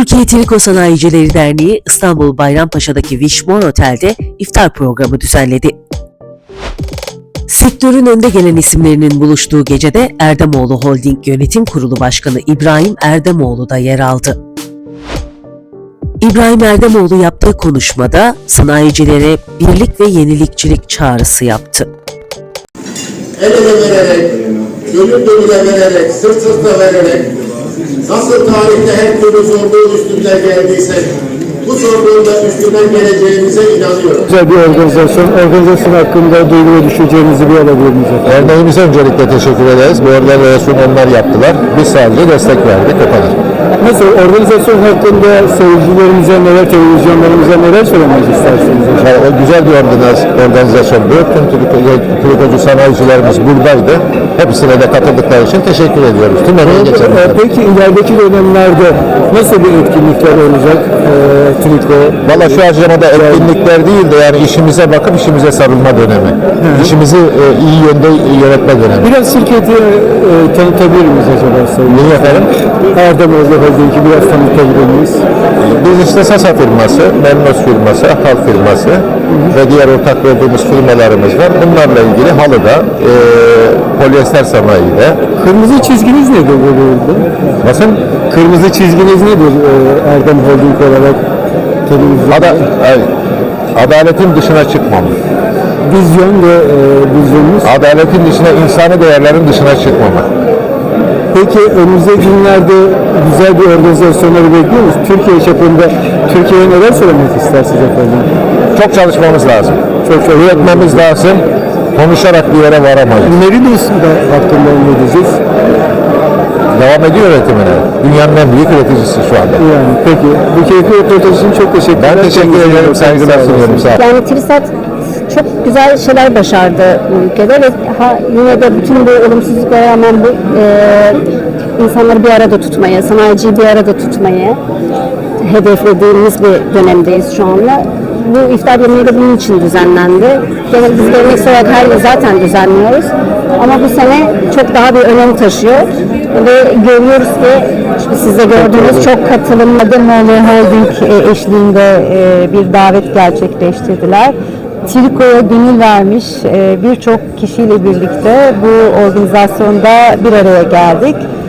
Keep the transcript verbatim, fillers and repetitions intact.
Türkiye Triko Sanayicileri Derneği İstanbul Bayrampaşa'daki Wishmore Otel'de iftar programı düzenledi. Sektörün önde gelen isimlerinin buluştuğu gecede Erdemoğlu Holding Yönetim Kurulu Başkanı İbrahim Erdemoğlu da yer aldı. İbrahim Erdemoğlu yaptığı konuşmada sanayicilere birlik ve yenilikçilik çağrısı yaptı. El ele vererek, gönül gönüle vererek, sırt sırta vererek, nasıl tarihte her türlü zorluğun üstünden geldiysek, bu zorluğun da üstünden geleceğimize inanıyorum. Güzel bir organizasyon. Organizasyon hakkında duygu ve düşüncelerinizi bir alabilir miyiz efendim? Derneğimize öncelikle teşekkür ederiz. Bu organizasyonu onlar yaptılar. Biz sadece destek verdik. O kadar. Nasıl? Organizasyon hakkında seyircilerimize neler, televizyonlarımıza neler söylemek istersiniz? Yani o güzel bir organizasyon. Bütün trikocu sanayicilerimiz buradaydı. Hepsine de katıldıkları için teşekkür ediyoruz. Tüm emeği geçenler. Peki ilerideki dönemlerde nasıl bir etkinlikler olacak? E, triko. Valla şu aşamada etkinlikler değil de yani işimize bakıp işimize sarılma dönemi. Hı hı. İşimizi e, iyi yönde yönetme dönemi. Biraz şirketi e, tanıtabilir miyiz acaba? Niye efendim? Erdemoğlu Holding'i biraz tanıtabilir miyiz? Biz işte Sasa firması, Memnos firması, Hal firması hı hı. ve diğer ortak olduğumuz firmalarımız var. Bunlarla ilgili halıda, e, polyester sanayide. Kırmızı çizginiz nedir bu bölümde? Nasıl? Kırmızı çizginiz nedir e, Erdem Holding olarak? Ada, adaletin dışına çıkmam. Vizyon ve e, vizyonumuz? Adaletin dışına, insani değerlerin dışına çıkmamak. Peki önümüzdeki günlerde güzel bir organizasyonları bekliyor musunuz? Türkiye çapında Türkiye'ye neler söylemek istersiniz efendim? Çok çalışmamız lazım. Çok çok üretmemiz lazım. Konuşarak bir yere varamayız. Merinos hakkında ne diyeceğiz? Devam ediyor üretimine. Dünyanın en büyük üreticisi şu anda. Yani peki. Bu keyifli röportaj için çok teşekkürler. Ben teşekkür ederim. Saygılar sunuyorum. Sağ olun. Yani TÜRİSAT çok güzel şeyler başardı bu ülkede ve ha, yine de bütün bu olumsuzluklara rağmen bu e, insanları bir arada tutmayı, sanayiciyi bir arada tutmayı hedeflediğimiz bir dönemdeyiz şu anda. Bu iftar yemeği de bunun için düzenlendi. Yani biz geleneksel olarak her yıl zaten düzenliyoruz. Ama bu sene çok daha bir önem taşıyor. Ve görüyoruz ki siz de gördüğünüz çok katılımlı Erdemoğlu Holding eşliğinde bir davet gerçekleştirdiler. Triko'ya gönül vermiş birçok kişiyle birlikte bu organizasyonda bir araya geldik.